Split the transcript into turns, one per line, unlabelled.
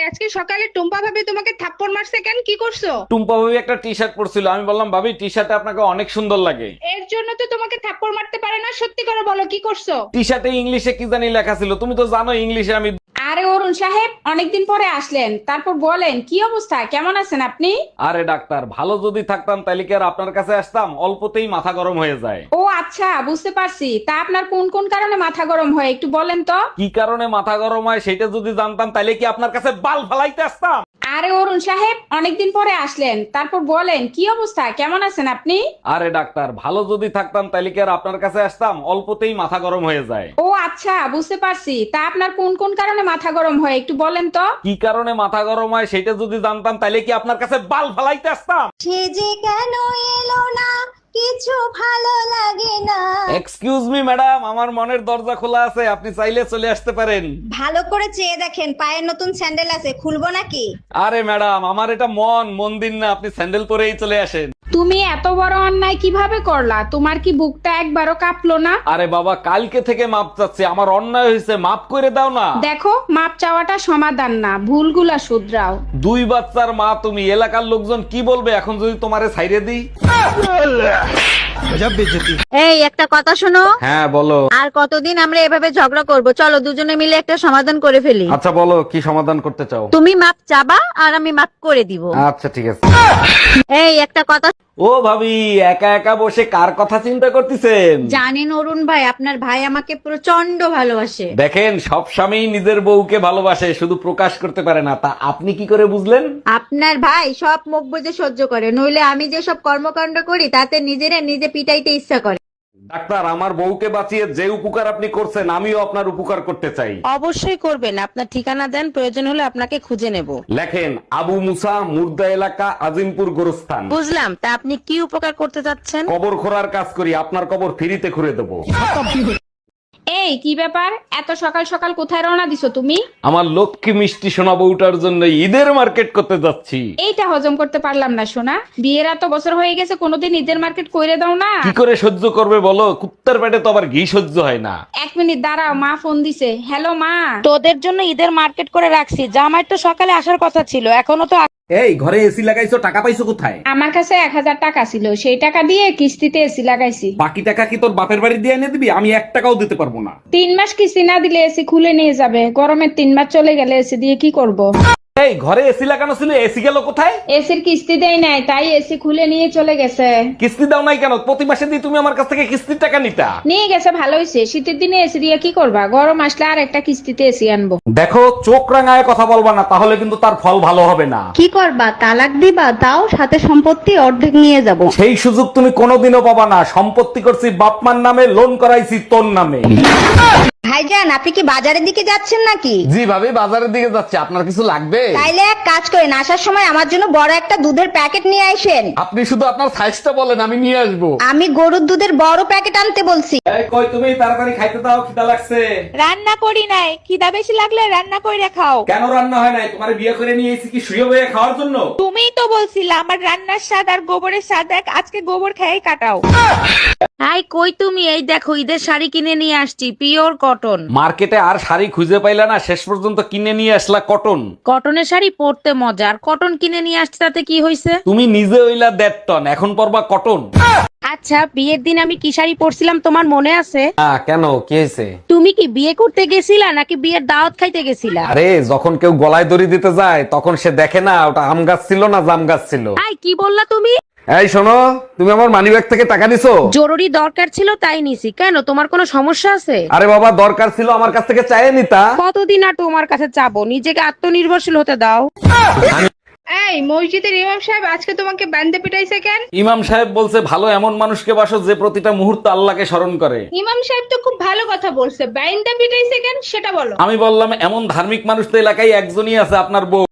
আজকে সকালে টুম্পা ভাবি তোমাকে থাপ্পড় মারছে কেন? কি করছো?
টুম্পা ভাবি একটা টি শার্ট পরছিল, আমি বললাম ভাবি টি শার্টে আপনাকে অনেক সুন্দর লাগে।
এর জন্য তো তোমাকে থাপ্পড় মারতে পারে না। সত্যি করে বলো কি করছো?
টি শার্টে ইংলিশে কি জানি লেখা ছিল, তুমি তো জানো ইংলিশে আমি।
আরে অরুণ সাহেব, অনেকদিন পরে আসলেন, তারপর বলেন কি অবস্থা, কেমন আছেন আপনি?
আরে ডাক্তার, ভালো যদি থাকতাম তাহলে কি আর আপনার কাছে আসতাম? অল্পতেই মাথা গরম হয়ে যায়।
ও আচ্ছা, বুঝতে পারছি। তা আপনার কোন কোন কারণে মাথা গরম হয় একটু বলেন তো।
কি কারণে মাথা গরম হয় সেটা যদি জানতাম তাহলে কি আপনার কাছে বাল ফালাইতে আসতাম?
আরে অরুণ সাহেব, অনেকদিন পরে আসলেন, তারপর বলেন কি অবস্থা, কেমন আছেন আপনি?
আরে ডাক্তার, ভালো যদি থাকতাম তাহলে কি আর আপনার কাছে আসতাম? অল্পতেই মাথা গরম হয়ে যায়।
ও আচ্ছা, বুঝতে পারছি। তা আপনার কোন কোন কারণে মাথা গরম হয় একটু বলেন তো।
কি কারণে মাথা গরম হয় সেটা যদি জানতাম তাহলে কি আপনার কাছে বাল ফালাইতে আসতাম?
সে যে কেন এলো না, কিছু ভালো লাগে না।
এক্সকিউজ মি ম্যাডাম, আমার মনের দরজা খোলা আছে, আপনি চাইলে চলে আসতে পারেন।
ভালো করে চেয়ে দেখেন, পায়ের নতুন স্যান্ডেল আছে, খুলবো নাকি?
আরে ম্যাডাম, আমার এটা মন্দির না, আপনি স্যান্ডেল পরেই চলে আসেন।
তুমি এত বড় অন্যায় কিভাবে করলা? তোমার কি বুকটা একবারও কাঁপলো না?
আরে বাবা, কালকে থেকে মাপ চাচ্ছি, আমার অন্যায় হয়েছে, মাপ করে দাও না।
দেখো, মাপ চাওয়াটা সমাধান না, ভুলগুলা শুধরাও।
দুই বাচ্চার মা তুমি, এলাকার লোকজন কি বলবে এখন যদি তোমারে ছাইরে দিই?
এই একটা কথা শোনো,
হ্যাঁ বলো।
আর কতদিন আমরা এভাবে ঝগড়া করব? চলো দুজনে মিলে একটা সমাধান করে ফেলি।
আচ্ছা বলো, কি সমাধান করতে চাও?
তুমি মাপ চাবা আর আমি মাপ করে দিব।
আচ্ছা ঠিক আছে।
এই একটা কথা,
ও ভাবি, একা একা বসে কার কথা চিন্তা করতেছেন?
জানেন অরুণ ভাই, আপনার ভাই আমাকে প্রচন্ড ভালোবাসে।
দেখেন, সব স্বামী নিজের বউকে ভালোবাসে, শুধু প্রকাশ করতে পারে না। তা আপনি কি করে বুঝলেন?
আপনার ভাই সব মুখ বুজে সহ্য করে, নইলে আমি যে সব কর্মকাণ্ড করি তাতে নিজেরা নিজে পিটাইতে ইচ্ছা করে।
ডাক্তার, আমার বউকে বাঁচিয়ে যে উপকার আপনি করছেন আমিও আপনার উপকার করতে চাই।
অবশ্যই করবেন। আপনার ঠিকানা দেন, প্রয়োজন হলে আপনাকে খুঁজে নেব।
লেখেন, আবু মুসা, মুর্দা এলাকা, আজিমপুর গোরস্থান।
বুঝলাম। তা আপনি কি উপকার করতে চাচ্ছেন?
কবর খোঁড়ার কাজ করি, আপনার কবর ফ্রিতে খুঁড়ে দেবো।
এই কি ব্যাপার, এত সকাল সকাল কোথায় রওনা দিছো তুমি?
আমার লক্ষ্মী মিষ্টি সোনা বউটার জন্য ঈদের মার্কেট করতে যাচ্ছি।
এইটা হজম করতে পারলাম না সোনা, বিয়ের এত বছর হয়ে গেছে, কোনোদিন ঈদের মার্কেট কইরে দাও না।
কি করে সহ্য করবে বলো? কুত্তার পেটে তো আবার ঘি সহ্য হয় না।
এক মিনিট দাঁড়াও, মা ফোন দিছে। হ্যালো মা।
তোদের জন্য ঈদের মার্কেট করে রাখছি। জামাই তো সকালে আসার কথা ছিল, এখনো তো
এই ঘরে এসি লাগাইছো, টাকা পাইছো কোথায়?
আমার কাছে 1000 টাকা ছিল, সেই টাকা দিয়ে কিস্তিতে এসি লাগাইছি।
বাকি টাকা কি তোর বাপের বাড়ি দিয়ে এনে দিবি? আমি 1 টাকাও দিতে পারবো না।
3 মাস কিস্তি না দিলে এসি খুলে নিয়ে যাবে। গরমের 3 মাস চলে গেলে এসি দিয়ে কি করব?
এই ঘরে এসি লাগানো ছিল, এসি গেল কোথায়?
এসির কিস্তি দেয় নাই, তাই এসি খুলে নিয়ে চলে গেছে।
কিস্তি দাও নাই কেন? প্রতি মাসে দিয়ে তুমি আমার কাছ থেকে কিস্তির টাকা নিতা।
নিয়ে গেছে, ভালো হয়েছে। শীতের দিনে এসি দিয়ে কি করবা? গরম আসলে আর একটা কিস্তিতে এসি আনবো।
দেখো, চোখ রাঙায় কথা বলবা না, তাহলে কিন্তু তার ফল ভালো হবে না।
কি করবা, তালাক দিবা? তাও সাথে সম্পত্তি অর্ধেক নিয়ে যাব।
সেই সুযোগ তুমি কোনোদিনও পাবা না। সম্পত্তি করছি বাপমার নামে, লোন করাইছি তোর নামে।
ভাইজান, আপনি কি বাজারের দিকে যাচ্ছেন নাকি?
জি ভাবি, বাজারের দিকে যাচ্ছে, আপনার কিছু লাগবে?
তাইলে এক কাজ করেন, আসার সময় আমার জন্য বড় একটা দুধের প্যাকেট নিয়ে আসেন।
আপনি শুধু আপনার সাইজটা বলেন, আমি নিয়ে আসবো।
আমি গরুর দুধের বড় প্যাকেট আনতে বলছি।
এই কই তুমি, তাড়াতাড়ি খাইতে দাও, খিদা লাগছে।
রান্না করি নাই, খিদা বেশি লাগলে রান্না করে খাও।
কেন রান্না হয় নাই? তোমার বিয়ে করে নিয়ে এসেছি কি শুয়ে বয়ে খাওয়ার জন্য?
তুমিই তো বলছিলে আমার রান্নার স্বাদ আর গোবরের স্বাদ এক, আজকে গোবর খেয়েই কাটাও। হাই কই তুমি? এই দেখো ঈদের শাড়ি কিনে নিয়ে আসছি, পিওর কটন।
মার্কেটে আর শাড়ি খুঁজে পাইলা না, শেষ পর্যন্ত কিনে নিয়ে আসলা কটন।
কটনের শাড়ি পরতে মজা, আর কটন কিনে নিয়ে আসছি তাতে কি হয়েছে?
তুমি নিজে হইলা 1.5 টন, এখন পরবা কটন।
আচ্ছা, বিয়ের দিন আমি কি শাড়ি পরছিলাম তোমার মনে আছে?
কেন, কি হয়েছে?
তুমি কি বিয়ে করতে গেছিলা নাকি বিয়ের দাওয়াত খাইতে গেছিলা?
আরে যখন কেউ গলায় দড়ি দিতে যায় তখন সে দেখে না ওটা আম গাছ ছিল না জাম গাছ ছিল।
আই কি বললা তুমি?
এই শোনো, তুমি আমার মানিব্যাগ থেকে টাকা নিছো?
জরুরি দরকার ছিল তাই নিছি। কেন, তোমার কোনো সমস্যা আছে?
আরে বাবা, দরকার ছিল আমার কাছ থেকে চাইয়ে নিতা।
কতদিন আর তোমার কাছে চাবো? নিজেকে আত্মনির্ভরশীল হতে দাও।
এই মসজিদের ইমাম সাহেব আজকে তোমাকে বান্দে পিটাইছে কেন?
ইমাম সাহেব বলছে, ভালো এমন মানুষকে বাসো যে প্রতিটা মুহূর্তে আল্লাহকে স্মরণ করে।
ইমাম সাহেব তো খুব ভালো কথা বলছে, বান্দে পিটাইছে কেন সেটা বলো।
আমি বললাম, এমন ধার্মিক মানুষ তো এলাকায় একজনই আছে, আপনার বউ।